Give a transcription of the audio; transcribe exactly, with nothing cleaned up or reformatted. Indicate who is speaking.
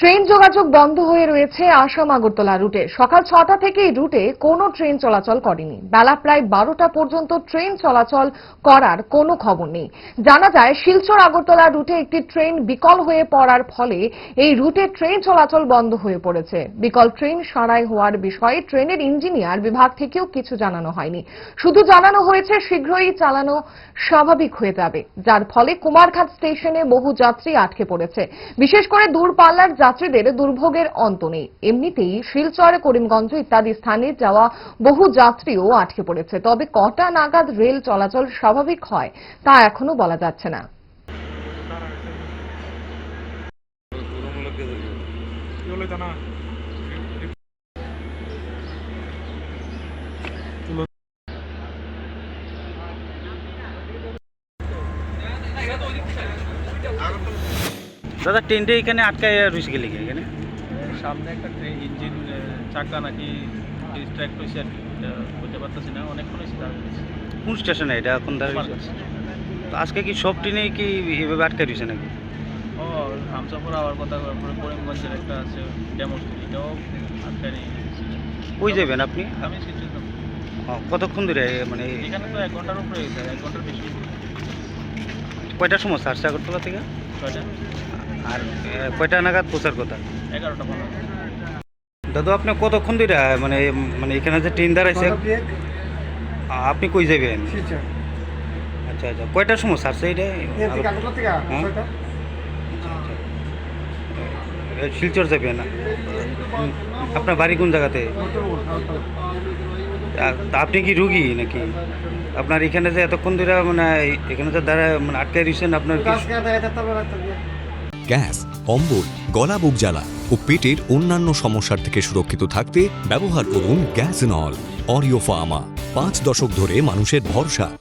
Speaker 1: Train যোগাযোগ বন্ধ হয়ে রয়েছে আসাম আগরতলা রুটে। সকাল ছটা থেকে এই রুটে কোনো ট্রেন চলাচল করেনি। বেলা প্রায় বারোটা পর্যন্ত ট্রেন চলাচল করার কোনো খবর নেই। জানা যায় শিলচর আগরতলা রুটে একটি ট্রেন বিকল হয়ে পড়ার ফলে এই রুটে ট্রেন চলাচল বন্ধ হয়ে পড়েছে। বিকল ট্রেন সারাই হওয়ার বিষয়ে ট্রেনের ইঞ্জিনিয়ার বিভাগ থেকেও কিছু জানানো হয়নি। শুধু জানানো হয়েছে শীঘ্রই চালানো স্বাভাবিক হয়ে যাবে, যার ফলে কুমারঘাট স্টেশনে বহু যাত্রী আটকে পড়েছে। বিশেষ করে দূরপাল্লার যাত্রীদের দুর্ভোগের অন্ত নেই। এমনিতেই শিলচর, করিমগঞ্জ ইত্যাদি স্থানে যাওয়া বহু যাত্রীও আটকে পড়েছে। তবে কটা নাগাদ রেল চলাচল স্বাভাবিক হয় তা এখনো বলা যাচ্ছে না।
Speaker 2: দাদা, ট্রেনটা এখানে আটকায় রয়েছে গেলে এখানে
Speaker 3: সামনে একটা ট্রেন ইঞ্জিন চাকা নাকি ডিস্ট্র্যাক্ট হয়েছে আর কি, বুঝতে পারতেছি না। অনেকক্ষণ হয়েছে দাঁড়িয়ে রয়েছে।
Speaker 2: কোন স্টেশনে এটা এখন দাঁড়িয়ে? তো আজকে কি সব ট্রেনেই কি এভাবে আটকায় রয়েছে নাকি?
Speaker 3: ও হামসাপুর আওয়ার কথা, তারপরে করিমগঞ্জের একটা আছে ডেমোস্ট্রি, এটাও আটকায় নিয়ে গেছে।
Speaker 2: কই যাবেন আপনি?
Speaker 3: আমি শিলচর যাব।
Speaker 2: ও, কতক্ষণ ধরে মানে
Speaker 3: এখানে তো এক ঘন্টার উপরে হয়েছে, এক ঘন্টার বেশি।
Speaker 2: কয়টার সময় ছাড়ছে আগরতলা থেকে?
Speaker 3: ছয়টা
Speaker 2: আর এ, কয়টা নাগাদ পৌঁছার কথা?
Speaker 3: এগারোটা পনেরো।
Speaker 2: দাদু, আপনি কতক্ষণ ধরে মানে মানে এখানে যে ট্রেন দাঁড়াইছে আপনি কই যাবেন? আচ্ছা আচ্ছা, কয়টার সময় ছাড়ছে এটা? হ্যাঁ? এ, শিলচর যাবেন? আপনার বাড়ি কোন জায়গাতে? আ- তা আপনি কি রুগী নাকি? আপনার এখানে যে এতক্ষণ ধরে মানে এখানে যে দাঁড়া মানে আটকায় দিয়েছেন আপনার কি?
Speaker 4: গ্যাস, অম্বল, গলা বুক জ্বালা ও পেটের অন্যান্য সমস্যার থেকে সুরক্ষিত থাকতে ব্যবহার করুন গ্যাসনল। অরিও ফার্মা, পাঁচ দশক ধরে মানুষের ভরসা।